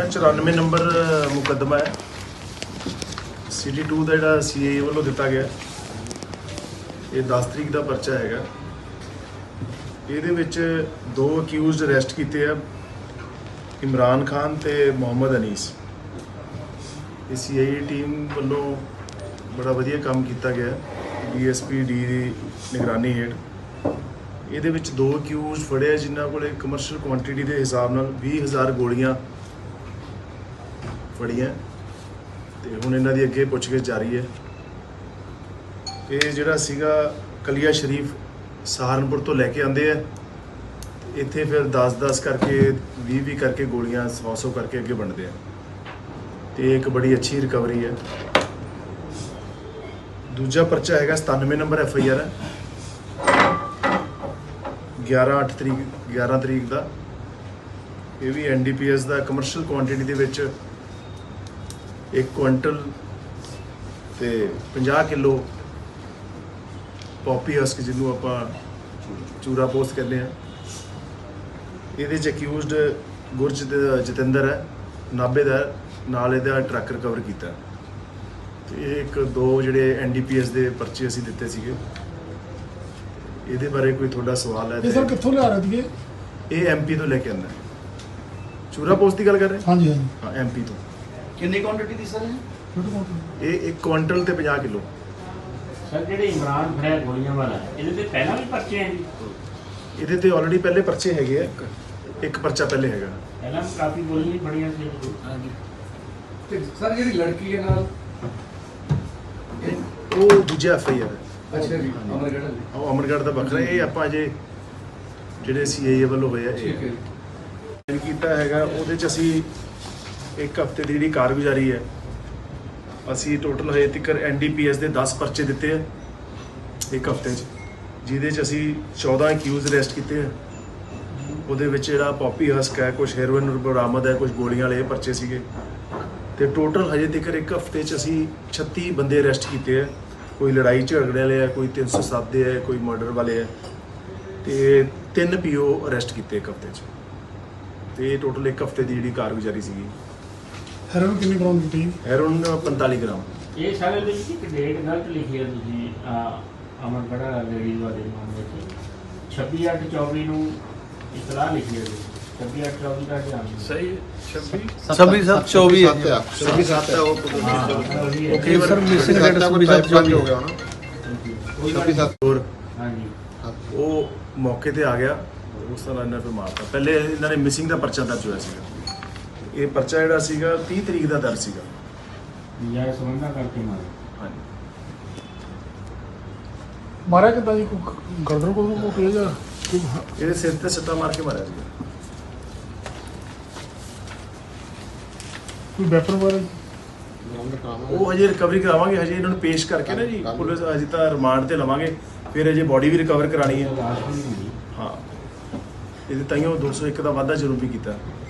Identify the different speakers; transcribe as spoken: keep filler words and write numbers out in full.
Speaker 1: चौरानवे नंबर मुकदमा है सिटी टू का जोड़ा सी ए वालों दिता गया। ये दस तरीक का परचा है। ये दो अक्यूज़ड अरैसट किए हैं, इमरान खान तो मोहम्मद अनीस। ये सी आई ए टीम वालों बड़ा वधिया काम किया गया, डी एस पी डी की निगरानी हेठ। ये दो अक्यूज़ फड़े जिन्होंने को कमर्शल क्वांटिटी के हिसाब नाल बीस हज़ार गोलियां फड़ियां तो हुण इन्हां दी अगे पुछगिछ जारी है। ये जिहड़ा सीगा कलिया शरीफ सहारनपुर तो लैके आंदे है, इत्थे फिर दस दस करके भी भी करके गोलियां सौ सौ करके अगे वंडदे हैं। तो एक बड़ी अच्छी रिकवरी है। दूजा परचा हैगा सतानवे नंबर एफ आई आर है, ग्यारह अठ तरीक ग्यारह तरीक का। ये भी एन डी पी एस का कमर्शल क्वांटिटी दे विच एक क्विंटल ते पचास किलो पॉपी हस्क जिन्हों आप चूरा पोस्ट कहते हैं। ये अक्यूज़ड गुरज जतिंदर है, नाभे का, नाल इहदा ट्रक रिकवर किया। तो ये एक दो जिहड़े एन डी पी एस के परचे असीं दिते सीगे। ये बारे कोई थोड़ा सवाल है?
Speaker 2: सर कित्थों लिया रहे थे?
Speaker 1: ये एम पी तो लेके आंदा। चूरा पोस्ट की गल कर रहे?
Speaker 2: हाँ जी हाँ
Speaker 1: हाँ एम पी तो।
Speaker 3: कितनी क्वांटिटी थी सर?
Speaker 1: ये एक क्विंटल ते पचास किलो।
Speaker 4: सर जेडे इमरान फड़िया गोलियां वाला ਇਹਦੇ ਤੇ ਪਹਿਲਾਂ ਵੀ ਪਰਚੇ ਹੈ ਜੀ?
Speaker 1: ਇਹਦੇ ਤੇ ਆਲਰੇਡੀ ਪਹਿਲੇ ਪਰਚੇ ਹੈਗੇ ਆ, ਇੱਕ ਪਰਚਾ ਪਹਿਲੇ ਹੈਗਾ।
Speaker 4: ਪਹਿਲਾਂ ਵੀ ਕਾਫੀ ਗੋਲੀਆਂ ਫੜੀਆਂ ਸੀ।
Speaker 3: ਹਾਂਜੀ ਤੇ ਸਰ ਜਿਹੜੀ ਲੜਕੀ ਹੈ ਨਾਲ
Speaker 1: ਉਹ ਦੂਜਾ ਐਫ ਆਈ ਆਰ ਹੈ।
Speaker 3: ਅੱਛਾ ਜੀ, ਅਮਰਗੜ੍ਹ ਵਾਲੀ।
Speaker 1: ਉਹ ਅਮਰਗੜ੍ਹ ਦਾ ਵੱਖਰਾ। ਇਹ ਆਪਾਂ ਅਜੇ ਜਿਹੜੇ ਸੀ ਆਈ ਏ ਵੱਲੋਂ ਹੋਏ ਆ
Speaker 3: ਠੀਕ ਹੈ
Speaker 1: ਇਹ ਕੀਤਾ ਹੈਗਾ। ਉਹਦੇ ਚ ਅਸੀਂ ਇੱਕ ਹਫ਼ਤੇ ਦੀ ਜਿਹੜੀ ਕਾਰਗੁਜ਼ਾਰੀ ਹੈ, ਅਸੀਂ ਟੋਟਲ ਹਜੇ ਤੱਕ ਐਨ ਡੀ ਪੀ ਐਸ ਦੇ ਦਸ ਪਰਚੇ ਦਿੱਤੇ ਆ ਇੱਕ ਹਫ਼ਤੇ 'ਚ, ਜਿਹਦੇ 'ਚ ਅਸੀਂ ਚੌਦਾਂ ਅਕਿਊਜ਼ ਅਰੈਸਟ ਕੀਤੇ ਆ। ਉਹਦੇ ਵਿੱਚ ਜਿਹੜਾ ਪੌਪੀ ਹਸਕ ਹੈ, ਕੁਛ ਹੈਰੋਇਨ ਬਰਾਮਦ ਹੈ, ਕੁਛ ਗੋਲੀਆਂ ਵਾਲੇ ਪਰਚੇ ਸੀਗੇ। ਤੇ ਟੋਟਲ ਹਜੇ ਤੱਕ ਇੱਕ ਹਫ਼ਤੇ 'ਚ ਅਸੀਂ ਛੱਤੀ ਬੰਦੇ ਅਰੈਸਟ ਕੀਤੇ ਆ। ਕੋਈ ਲੜਾਈ ਝਗੜੇ ਵਾਲੇ ਆ, ਕੋਈ ਤਿੰਨ ਸੌ ਸੱਤ ਦੇ ਹੈ, ਕੋਈ ਮਰਡਰ ਵਾਲੇ ਆ। ਤੇ ਤਿੰਨ ਪੀ ਓ ਅਰੈਸਟ ਕੀਤੇ ਇੱਕ ਹਫ਼ਤੇ 'ਚ। ਤੇ ਟੋਟਲ ਇੱਕ ਹਫ਼ਤੇ ਦੀ ਜਿਹੜੀ ਕਾਰਗੁਜ਼ਾਰੀ ਸੀਗੀ।
Speaker 2: ਹੈਰੋਇਨ ਕਿੰਨੀ ਗ੍ਰਾਮ ਦਿੱਤੀ?
Speaker 1: ਹੈਰੋਇਨ ਪੰਤਾਲੀ ਗ੍ਰਾਮ।
Speaker 4: ਇਹ ਸਾਰੇ ਦੇ ਵਿੱਚ ਇੱਕ ਡੇਟ ਗਲਤ ਲਿਖੀ ਹੈ ਤੁਸੀਂ ਅਮਰਗੜ੍ਹ ਲੇਡੀ ਵਾਲੇ ਮਾਮਲੇ 'ਚ ਛੱਬੀ ਅੱਠ ਚੌਵੀ ਨੂੰ ਇਤਲਾਹ ਲਿਖੀ ਹੈ। ਛੱਬੀ ਅੱਠ ਚੌਵੀ ਦਾ ਧਿਆਨ
Speaker 1: ਸਹੀ ਹੈ। ਛੱਬੀ
Speaker 5: छब्बीस सात चौबीस
Speaker 1: छब्बी सात है वो
Speaker 5: ओके सर मिसिंग डेट छब्बीस सात चौबीस हो गया ना छब्बीस सात
Speaker 1: और
Speaker 4: हाँ जी
Speaker 1: वो मौके ते आ गया। उस तरह इन्हें फिर मारता। पहले इन्होंने मिसिंग का परचा दर्ज होया सीगा। ये परचा जिहड़ा सीगा तीस तरीक का दर्ज सीगा।
Speaker 4: नजायज संबंधा करके मारे।
Speaker 1: हाँ
Speaker 2: मारा कितना जी? गर्दन को को किया जा
Speaker 1: ये सिर ते सट्टा मार के मारा सीगा।
Speaker 2: कोई वेपन वगैरह?
Speaker 1: वो हजे रिकवरी करावांगे, हजे इन्होंने पेश करके ना जी पुलिस अजे तो रिमांड ते लवांगे, फिर अजे बॉडी भी रिकवर करानी है।
Speaker 4: लाश भी नहीं मिली।
Speaker 1: हाँ ये ताइयों दो सौ एक का वाधा जरूर भी किया।